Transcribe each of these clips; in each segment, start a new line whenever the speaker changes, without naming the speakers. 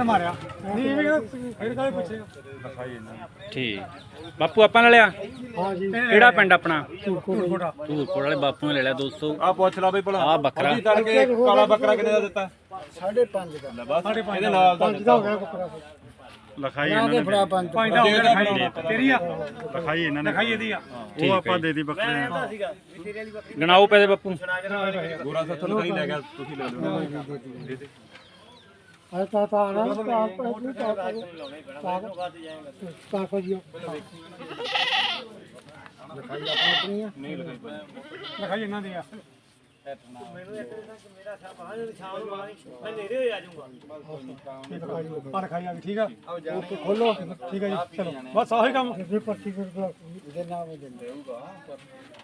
ਮਾਰਿਆ ਨਹੀਂ ਇਹ ਫਿਰ ਕਾਹਦੇ ਪੁੱਛੇ
ਠੀਕ ਬਾਪੂ ਆਪਾਂ ਨੇ ਲਿਆ
ਹਾਂ ਜੀ
ਕਿਹੜਾ ਪਿੰਡ ਆਪਣਾ
ਕੋਟਾ
ਧੂਰਕੋਟ ਵਾਲੇ ਬਾਪੂ ਨੇ ਲੈ ਲਿਆ ਦੋਸਤੋ
ਆ ਪੁੱਛ ਲਾ ਬਈ ਭਲਾ
ਆ ਬੱਕਰਾ
ਤੜਕੇ ਕਾਲਾ ਬੱਕਰਾ ਕਿੰਨੇ ਦਾ ਦਿੱਤਾ
5.5 ਦਾ
ਬਸ ਇਹਦੇ ਨਾਲ ਦਾ
5 ਦਾ ਹੋ ਗਿਆ ਬੱਕਰਾ
ਲਿਖਾਈ ਇਹਨਾਂ ਨੇ
ਫੜਾ 5 ਦਾ ਹੋ ਗਿਆ ਲਿਖਾਈ ਤੇਰੀ ਆ
ਲਿਖਾਈ ਇਹਨਾਂ ਨੇ
ਲਿਖਾਈ ਇਹਦੀ ਆ
ਉਹ ਆਪਾਂ ਦੇ ਦੀ ਬੱਕਰੇ
ਗਣਾਓ ਪੈਸੇ ਬਾਪੂ
ਗੋਰਾ ਸੱਥੋਂ ਲਿਖਾਈ ਲੈ ਗਿਆ ਤੁਸੀਂ ਲੈ ਲਓ ਦੇ ਦੇ
ਆ ਤਾਂ ਨਾ ਤਾਂ ਕੋ ਜੀ ਲਿਖਾਈ ਆਪਣੀ ਆ ਨਹੀਂ ਲਿਖਾਈ ਇਹਨਾਂ ਦੀ ਆ ਮੈਨੂੰ ਇੱਕ ਮੇਰਾ ਸ਼ਾਮ ਨੂੰ ਮੈਂ ਨੇੜੇ ਹੋ ਜਾਊਂਗਾ ਪਰ ਖਾਈ ਆ ਠੀਕ ਆ ਓਕੇ ਖੋਲੋ ਠੀਕ ਆ ਜੀ ਚਲੋ ਬਸ ਆਹੀ ਕੰਮ ਫਿਰ ਪਰਚੀ ਦੇ ਨਾਮ ਦਿੰਦੇ ਹੋਊਗਾ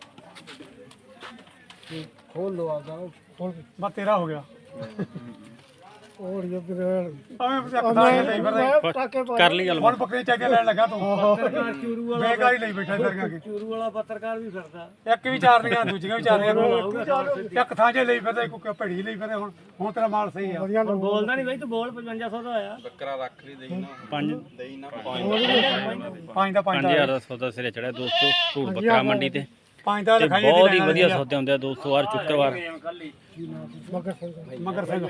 ਖੋਲ ਲੋ ਆਦਾ ਖੋਲ ਬਸ ਤੇਰਾ ਹੋ ਗਿਆ ਹੋਰ ਇਹ ਬਰੇਲ
ਕਰ ਲਈ ਗੱਲ
ਹੁਣ ਬੱਕਰੀ ਚੱਕ ਕੇ ਲੈਣ ਲੱਗਾ ਤੂੰ ਪੱਤਰਕਾਰ ਚੂਰੂ ਵਾਲਾ ਬੇਕਾਰੀ ਲਈ ਬੈਠਾ ਫਿਰ ਕੇ ਚੂਰੂ ਵਾਲਾ ਪੱਤਰਕਾਰ ਵੀ ਫਿਰਦਾ ਇੱਕ ਵੀ ਚਾਰਨੀਆਂ ਦੂਜੀਆਂ ਵੀ ਚਾਰਨੀਆਂ ਇੱਕ ਥਾਂ 'ਚ ਲਈ ਫਿਰਦਾ ਇੱਕ ਭੜੀ ਲਈ ਫਿਰਦਾ ਹੁਣ ਤੇਰਾ ਮਾਲ ਸਹੀ ਆ ਬੋਲਦਾ ਨਹੀਂ ਬਈ ਤੂੰ ਬੋਲ 5500 ਦਾ ਹੋਇਆ
ਬੱਕਰਾ ਰੱਖ ਲਈ ਦੇਈ ਨਾ
5
ਦੇਈ ਨਾ
5 ਦਾ
5000 ਦਾ ਸੌਦਾ ਸਿਰੇ ਚੜਿਆ ਦੋਸਤੋ ਧੂੜ ਬੱਕਰਾ ਮੰਡੀ ਤੇ
5 ਦਾ
ਤੇ
ਲਿਖਾਈ
ਬਹੁਤ ਹੀ ਵਧੀਆ ਸੌਦੇ ਹੁੰਦੇ ਆ ਦੋਸਤੋ ਹਰ ਸ਼ੁੱਕਰਵਾਰ
ਮਗਰ ਸਿੰਘ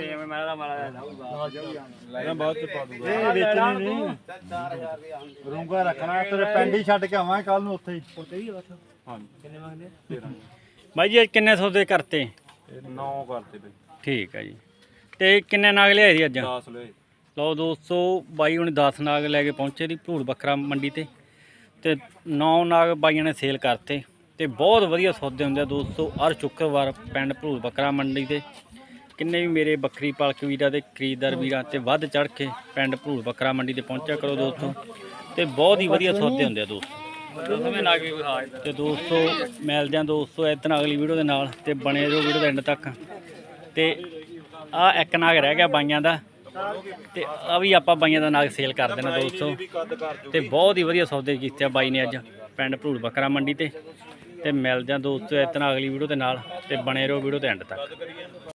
ਲੈ ਬਾਅਦ ਚ ਪਾ ਦੂਗਾ ਇਹ ਵੇਚਣੀ ਨਹੀਂ ਰੂੰਗਾ ਰੱਖਣਾ ਤੇਰੇ ਪਿੰਡ ਹੀ ਛੱਡ ਕੇ ਆਵਾਂ ਕੱਲ ਨੂੰ ਉੱਥੇ ਹੀ ਹਾਂਜੀ ਕਿੰਨੇ ਮੰਗਦੇ 13
ਬਾਈ ਜੀ ਅੱਜ ਕਿੰਨੇ ਸੌਦੇ ਕਰਤੇ
9 ਕਰਤੇ ਬਈ
ਠੀਕ ਹੈ ਜੀ ਤੇ ਕਿੰਨੇ ਨਾਗ ਲਿਆਏ ਸੀ ਅੱਜ
10 ਲੈ
ਲਓ ਦੋਸਤੋ ਬਾਈ ਹੁਣ 10 ਨਾਗ ਲੈ ਕੇ ਪਹੁੰਚੇ ਦੀ ਧੂੜ ਬੱਕਰਾ ਮੰਡੀ ਤੇ 9 ਨਾਗ ਬਾਈਆਂ ਨੇ ਸੇਲ ਕਰਤੇ ਤੇ ਬਹੁਤ ਵਧੀਆ ਸੌਦੇ ਹੁੰਦੇ ਆ ਦੋਸਤੋ ਹਰ ਸ਼ੁੱਕਰਵਾਰ ਪਿੰਡ ਧੂੜ ਬੱਕਰਾ ਮੰਡੀ ਤੇ ਕਿੰਨੇ ਵੀ ਮੇਰੇ ਬੱਕਰੀ ਪਾਲਕ ਵੀਰਾਂ ਤੇ ਖਰੀਦਦਾਰ ਵੀਰਾਂ ਤੇ ਵੱਧ ਚੜ ਕੇ ਪਿੰਡ ਧੂੜ ਬੱਕਰਾ ਮੰਡੀ ਤੇ ਪਹੁੰਚਿਆ ਕਰੋ ਦੋਸਤੋ ਤੇ ਬਹੁਤ ਹੀ ਵਧੀਆ ਸੌਦੇ ਹੁੰਦੇ ਆ ਦੋਸਤੋ ਤੇ ਦੋਸਤੋ ਮਿਲਦੇ ਆ ਦੋਸਤੋ ਇਦਾਂ ਅਗਲੀ ਵੀਡੀਓ ਦੇ ਨਾਲ ਤੇ ਬਣੇ ਰਹੋ ਵੀਡੀਓ ਦੇ ਐਂਡ ਤੱਕ ਤੇ ਆ ਇੱਕ ਨਾਗ ਰਹਿ ਗਿਆ ਬਾਈਆਂ ਦਾ ਤੇ ਆ ਵੀ ਆਪਾਂ ਬਾਈਆਂ ਦਾ ਨਾਗ ਸੇਲ ਕਰ ਦੇਣਾ ਦੋਸਤੋ ਤੇ ਬਹੁਤ ਹੀ ਵਧੀਆ ਸੌਦੇ ਕੀਤੇ ਆ ਬਾਈ ਨੇ ਅੱਜ ਪਿੰਡ ਧੂੜ ਬੱਕਰਾ ਮੰਡੀ ਤੇ ਮਿਲਦੇ ਆ ਦੋਸਤੋ ਇਦਾਂ ਅਗਲੀ ਵੀਡੀਓ ਦੇ ਨਾਲ ਤੇ ਬਣੇ ਰਹੋ ਵੀਡੀਓ ਦੇ ਐਂਡ ਤੱਕ।